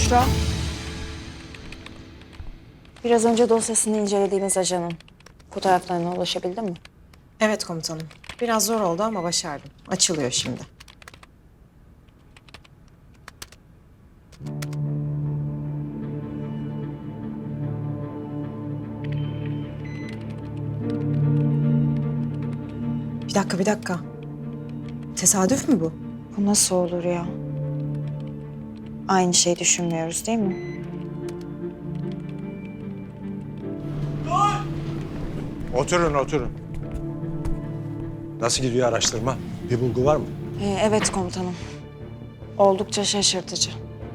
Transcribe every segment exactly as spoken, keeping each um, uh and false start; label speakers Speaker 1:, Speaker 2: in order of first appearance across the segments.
Speaker 1: Büşra. Biraz önce dosyasını incelediğimiz ajanın fotoğraflarına ulaşabildin mi?
Speaker 2: Evet komutanım. Biraz zor oldu ama başardım. Açılıyor şimdi. Bir dakika, bir dakika. Tesadüf mü bu?
Speaker 1: Bu nasıl olur ya? Aynı şeyi düşünmüyoruz değil mi?
Speaker 3: Oturun, oturun. Nasıl gidiyor araştırma? Bir bulgu var mı?
Speaker 1: Ee, evet komutanım. Oldukça şaşırtıcı.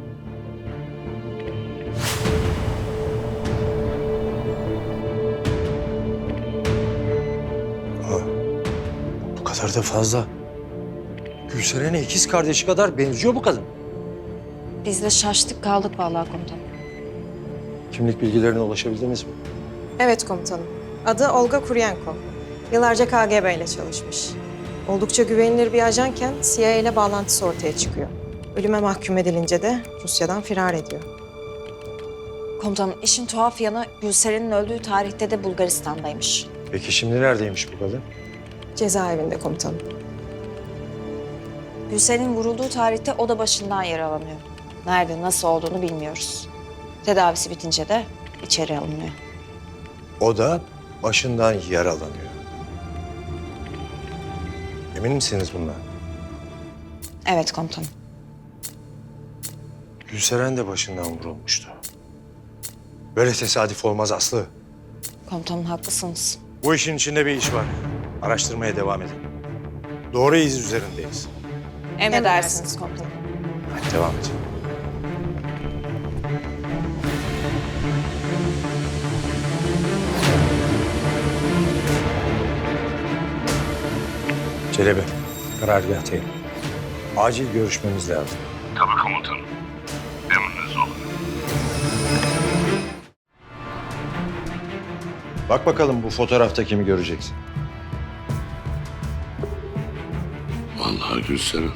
Speaker 3: Aa, bu kadar da fazla. Gülseren'e ikiz kardeşi kadar benziyor bu kadın.
Speaker 1: Biz de şaştık kaldık vallahi komutanım.
Speaker 3: Kimlik bilgilerine ulaşabildiniz mi?
Speaker 2: Evet komutanım. Adı Olga Kuryenko. Yıllarca K G B ile çalışmış. Oldukça güvenilir bir ajanken C I A ile bağlantısı ortaya çıkıyor. Ölüme mahkum edilince de Rusya'dan firar ediyor.
Speaker 1: Komutanım işin tuhaf yanı Gülseren'in öldüğü tarihte de Bulgaristan'daymış.
Speaker 3: Peki şimdi neredeymiş bu kadın?
Speaker 2: Cezaevinde komutanım.
Speaker 1: Gülseren'in vurulduğu tarihte o da başından yaralanıyor. Nerede, nasıl olduğunu bilmiyoruz. Tedavisi bitince de içeri alınıyor.
Speaker 3: O da başından yaralanıyor. Emin misiniz bundan?
Speaker 1: Evet komutanım.
Speaker 3: Gülseren de başından vurulmuştu. Böyle tesadüf olmaz Aslı.
Speaker 1: Komutanım haklısınız.
Speaker 3: Bu işin içinde bir iş var. Araştırmaya devam edin. Doğru iz üzerindeyiz.
Speaker 1: Emredersiniz komutanım.
Speaker 3: Hadi devam et. Çelebi, karargahtayım. Acil görüşmemiz lazım.
Speaker 4: Tabii komutanım. Emriniz olun.
Speaker 3: Bak bakalım bu fotoğrafta kimi göreceksin.
Speaker 4: Vallahi Gülseren.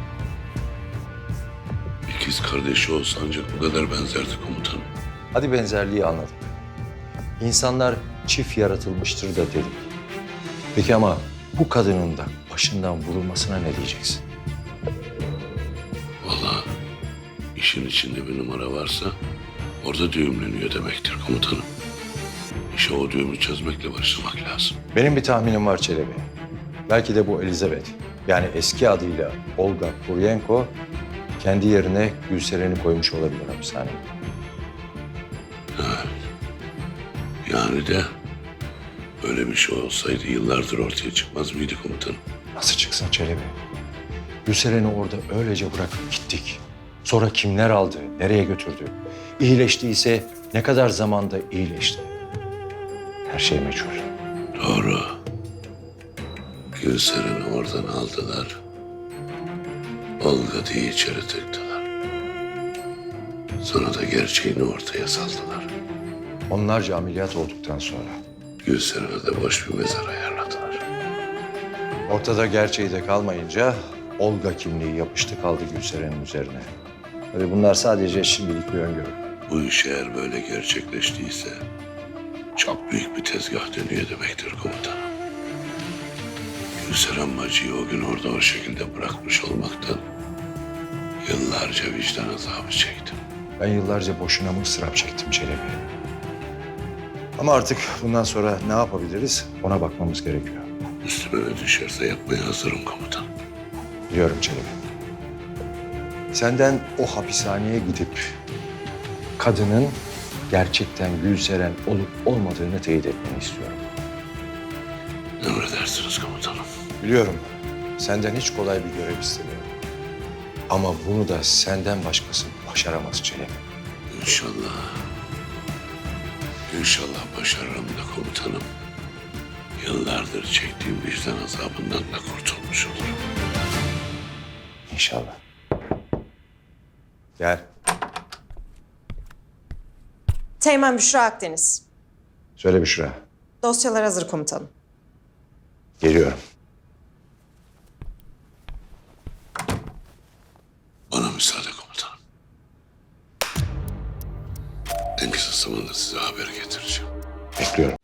Speaker 4: İkiz kardeşi olsa ancak bu kadar benzerdi komutanım.
Speaker 3: Hadi benzerliği anladık. İnsanlar çift yaratılmıştır da dedik. Peki ama bu kadının da başından vurulmasına ne diyeceksin?
Speaker 4: Vallahi işin içinde bir numara varsa orada düğümleniyor demektir komutanım. İşe o düğümü çözmekle başlamak lazım.
Speaker 3: Benim bir tahminim var Çelebi. Belki de bu Elizabeth, yani eski adıyla Olga Kuryenko, kendi yerine Gülseren'i koymuş olabilir hapishaneye.
Speaker 4: Yani de öyle bir şey olsaydı yıllardır ortaya çıkmaz mıydı komutanım?
Speaker 3: Nasıl çıksın Çelebi? Gülseren'i orada öylece bırakıp gittik. Sonra kimler aldı, nereye götürdü? İyileştiyse ne kadar zamanda iyileşti? Her şey meçhul.
Speaker 4: Doğru. Gülseren'i oradan aldılar. Olga diye içeri tıktılar. Sonra da gerçeğini ortaya saldılar.
Speaker 3: Onlarca ameliyat olduktan sonra
Speaker 4: Gülseren'e de boş bir mezar ayarladılar.
Speaker 3: ortada gerçeği de kalmayınca Olga kimliği yapıştı kaldı Gülseren'in üzerine. Tabii bunlar sadece şimdilik bir öngörü.
Speaker 4: Bu iş eğer böyle gerçekleştiyse çok büyük bir tezgah dönüyor demektir komutanım. Gülseren bacıyı o gün orada o şekilde bırakmış olmaktan yıllarca vicdan azabı çektim.
Speaker 3: Ben yıllarca boşuna mı ıstırap çektim Çelebi? Ama artık bundan sonra ne yapabiliriz ona bakmamız gerekiyor.
Speaker 4: Üstüme ne düşerse yapmaya hazırım komutanım.
Speaker 3: Biliyorum Çelebi. Senden o hapishaneye gidip kadının gerçekten Gülseren olup olmadığını teyit etmeni istiyorum.
Speaker 4: Emredersiniz komutanım.
Speaker 3: Biliyorum senden hiç kolay bir görev istemiyorum. Ama bunu da senden başkası başaramaz Çelebi.
Speaker 4: İnşallah. İnşallah başarırım da komutanım. Yıllardır çektiğim vicdan azabından da kurtulmuş olurum.
Speaker 3: İnşallah. Gel.
Speaker 2: Teğmen Büşra Akdeniz.
Speaker 3: Söyle Büşra.
Speaker 2: Dosyalar hazır komutanım.
Speaker 3: Geliyorum.
Speaker 4: Bana müsaade komutanım. kısa zamanda size haber getireceğim.
Speaker 3: Bekliyorum.